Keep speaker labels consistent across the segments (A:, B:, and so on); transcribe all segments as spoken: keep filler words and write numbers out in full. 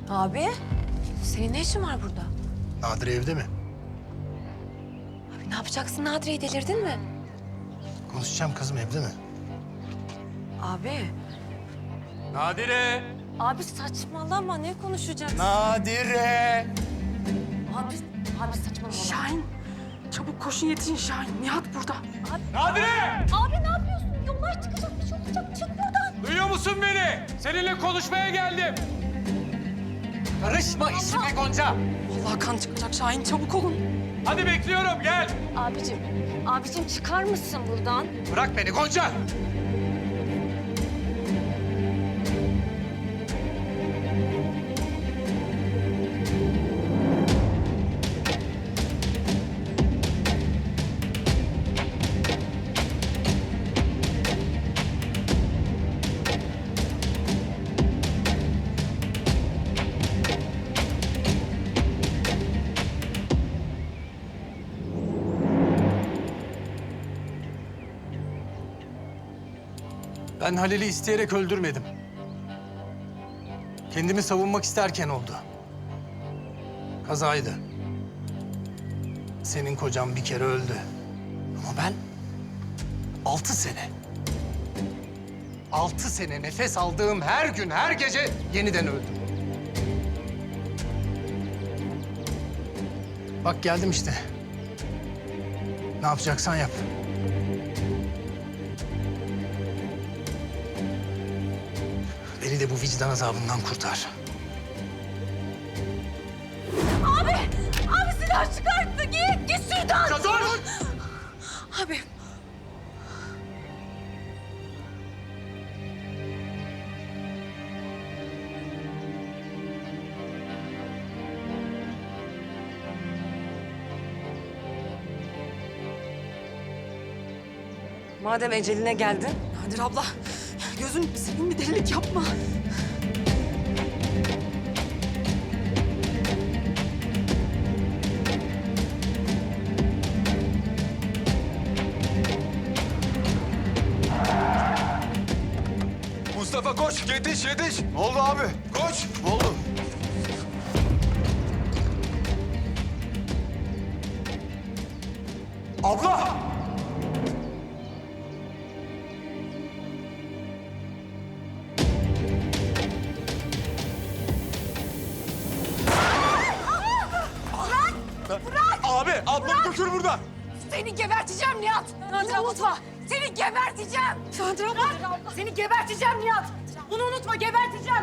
A: Abi, senin ne işin var burada?
B: Nadire evde mi?
A: Abi ne yapacaksın Nadire'yi, delirdin mi?
B: Konuşacağım kızım, evde mi?
A: Abi,
C: Nadire!
A: abi saçmalama, ne konuşacaksın?
B: Nadire!
A: Abi, abi saçmalama.
D: Şahin, çabuk koşun yetişin Şahin. Nihat burada.
C: Nadire!
A: Abi ne yapıyorsun? Yollar çıkacak, bir şey olacak. Çık buradan.
C: Duyuyor musun beni? Seninle konuşmaya geldim. Karışma işime Gonca.
D: Vallahi kan çıkacak Şahin, çabuk olun.
C: Hadi bekliyorum, gel.
A: Abicim, abicim çıkar mısın buradan?
C: Bırak beni Gonca.
B: Ben Halil'i isteyerek öldürmedim. Kendimi savunmak isterken oldu. Kazaydı. Senin kocan bir kere öldü. Ama ben altı sene. Altı sene nefes aldığım her gün, her gece yeniden öldüm. Bak geldim işte. Ne yapacaksan yap. Beni de bu vicdan azabından kurtar.
A: Abi, abi silah çıkarttı. Git, git şuradan.
C: Dur!
A: Abi.
D: Madem eceline geldin. Nadir abla, gözün seveyim bir delilik yapma.
E: Mustafa koş, yetiş, yetiş. Ne oldu abi? Koş. Ne oldu? Abla! Bırak! Bırak! Abi, ablamı götür buradan.
A: Seni geberteceğim Nihat. Nadir unutma. Seni geberteceğim.
D: Nadir abla.
A: Nadir abla. Seni geberteceğim Nihat. Bunu unutma, geberteceğim.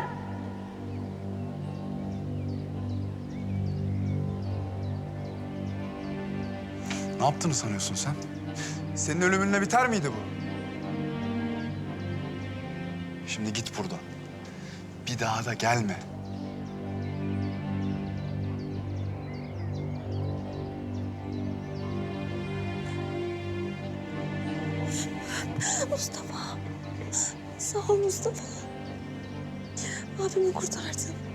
E: Ne yaptığını sanıyorsun sen? Senin ölümünle biter miydi bu? Şimdi git buradan. Bir daha da gelme.
F: Mustafa. Sağ ol Mustafa. Abimi kurtardın.